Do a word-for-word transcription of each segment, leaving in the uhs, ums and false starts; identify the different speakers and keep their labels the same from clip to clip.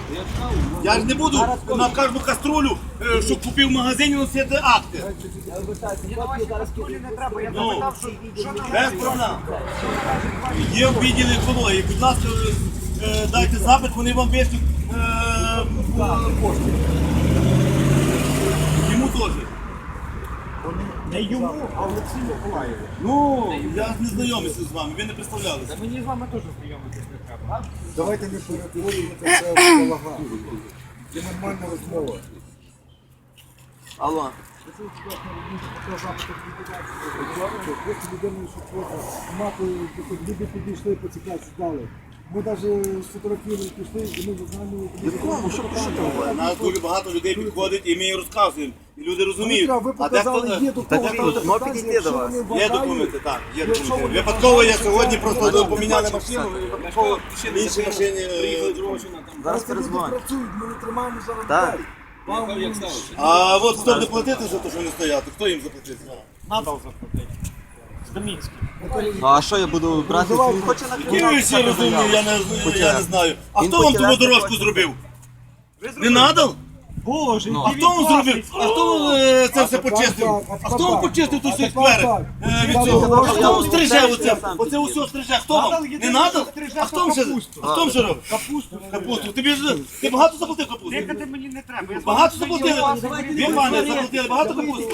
Speaker 1: Я ж не буду на кожну каструлю, е, що купив в магазині, носити акти. Ну, без проблем. Є в відділі екології. Будь ласка, е, дайте запит, вони вам вийшлють е, кошти. Йому теж.
Speaker 2: Не йому, а Олексію Миколаєву.
Speaker 1: Ну, я ж не знайомився з вами, ви не представлялися.
Speaker 2: Мені з вами теж знайомитись не треба.
Speaker 3: Давайте не перетворюємо це все в балаган. Це нормальна розмова.
Speaker 1: Алло.
Speaker 3: Просто людину, що просто мати, люди підійшли, поцікавці дали. Ми навіть сфотографували, пішли, і ми знаємо...
Speaker 1: Якому? Що про нас дуже багато людей підходить і ми їм розказуємо. І люди розуміють.
Speaker 3: Ви показали, є до кого там
Speaker 1: підійти до вас. Є документи, так, є документи. Випадково я сьогодні просто поміняли машину, і випадково в іншій машині приїхали другого.
Speaker 3: Зараз перезвонять. Працюють, ми не тримаємо зараз людей.
Speaker 1: А от хто буде платити за те, що вони стоять? Хто їм заплатить?
Speaker 2: Надав заплатити. З Домінським.
Speaker 4: А що я буду брати? Він хоче на
Speaker 1: Я всі розумію, я не, я не знаю. А хто вам ту дорожку зробив? Не надав?
Speaker 2: Боже,
Speaker 1: А хто вам зробив? А хто е, це все почистив? А хто вам почистив тут всі сквери? Е, від цього? А хто вам стриже оце? Оце усе стриже. Хто вам? Не надав? А хто вам ще? А хто вам ще робить?
Speaker 2: Капусту.
Speaker 1: Капусту. Тобі ж ти багато заплатив капусту?
Speaker 2: Дихати мені не треба. Я з вами
Speaker 1: Багато
Speaker 2: знайомий.
Speaker 1: заплатили? Ви, пане, заплатили багато капусту?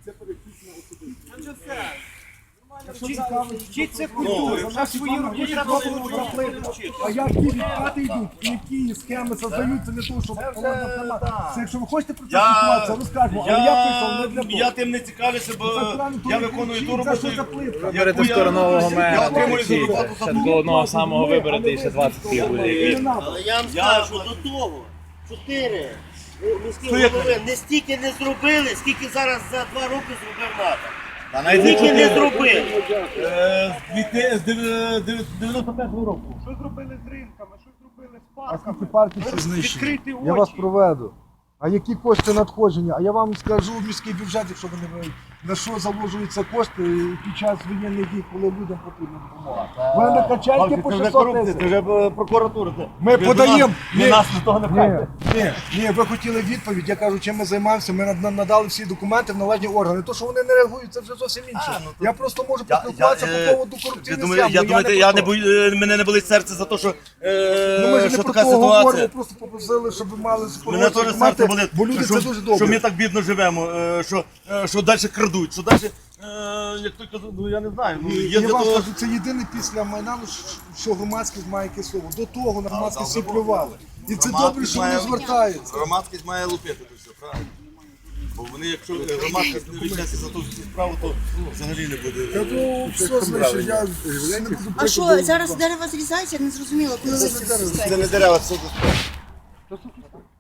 Speaker 2: Вчиться культуру. На свої роки треба було вчити.
Speaker 3: А як ті відкати йдуть, які схеми создаються для того, щоб це, якщо ви хочете про це
Speaker 1: Я,
Speaker 3: спілкуватися, розкажемо, але я прийшов не
Speaker 1: я,
Speaker 3: для того.
Speaker 1: я тим не цікавлюся, бо я виконую ту роботу,
Speaker 3: Це що за плитка?
Speaker 1: яку я,
Speaker 5: нового
Speaker 1: я
Speaker 5: мера
Speaker 1: отримую
Speaker 5: кричить.
Speaker 1: зарплату за
Speaker 5: Ще
Speaker 1: ту.
Speaker 5: до одного самого вибору і ще двадцять пів буде.
Speaker 3: Не надо.
Speaker 6: Але я вам
Speaker 1: Я-
Speaker 6: скажу, до того, чотири міські
Speaker 1: Що як-
Speaker 6: голови не стільки не зробили, скільки зараз за два роки зробив НАТО.
Speaker 1: Та навіть
Speaker 6: Стільки не зробили.
Speaker 1: Е, з дві- з дев- дев- дев'яносто п'ятого року.
Speaker 2: Що зробили з ринками, що зробили з
Speaker 3: А
Speaker 2: парками?
Speaker 3: скільки парків всі знищені?
Speaker 2: Відкрити
Speaker 3: Я вас
Speaker 2: очі.
Speaker 3: проведу. А які кошти надходження? А я вам скажу міський бюджет, якщо ви не знаєте, на що заложуються кошти під час воєнних дій, коли людям потрібна допомога. У мене качельки по
Speaker 1: Це вже
Speaker 3: шістсот
Speaker 1: корупція,
Speaker 3: тисяч.
Speaker 1: це вже е, прокуратура. Це-
Speaker 3: Ми
Speaker 1: ви до
Speaker 3: подаємо.
Speaker 1: нас- ви нас до того не
Speaker 3: Ні,
Speaker 1: пхайте.
Speaker 3: ні, ні, ви хотіли відповідь. Я кажу, чим ми займаємося. Ми над- надали всі документи в належні органи. То, що вони не реагують, це вже зовсім інше.
Speaker 1: А, ну, то-
Speaker 3: Я просто можу
Speaker 1: Я-
Speaker 3: поспілкуватися
Speaker 1: я, е,
Speaker 3: по поводу
Speaker 1: Ви
Speaker 3: корупційних
Speaker 1: думаєте,
Speaker 3: схем.
Speaker 1: я
Speaker 3: бо
Speaker 1: думаєте,
Speaker 3: не
Speaker 1: я
Speaker 3: про
Speaker 1: не
Speaker 3: то.
Speaker 1: бою, е, мене не болить серце за те, що, е,
Speaker 3: Ну, ми ж не
Speaker 1: що
Speaker 3: про
Speaker 1: така
Speaker 3: того говоримо,
Speaker 1: ситуація.
Speaker 3: просто попросили, щоб ви мали
Speaker 1: Мене
Speaker 3: супроводжувати
Speaker 1: теж серце
Speaker 3: документи,
Speaker 1: болить,
Speaker 3: бо люди
Speaker 1: що,
Speaker 3: це дуже добре.
Speaker 1: що ми так бідно живемо, е, що, е, що далі крадуть, що далі, е, як той казав, ну я не знаю, ну, є
Speaker 3: Я
Speaker 1: для
Speaker 3: вам
Speaker 1: того...
Speaker 3: скажу, це єдине після Майдану, що громадськість має якесь слово. До того на громадськість всі плювали. І це добре, що вони звертаються.
Speaker 1: Громадськість має лупити то все, правильно. Бо вони, якщо громадськість не візьметься за ту справу, то взагалі не буде.
Speaker 3: Я думаю, все значить, я не буду
Speaker 7: А що, зараз дерева зрізаються, не зрозуміло, коли листя
Speaker 1: Це
Speaker 7: спускається.
Speaker 1: не дерева, це до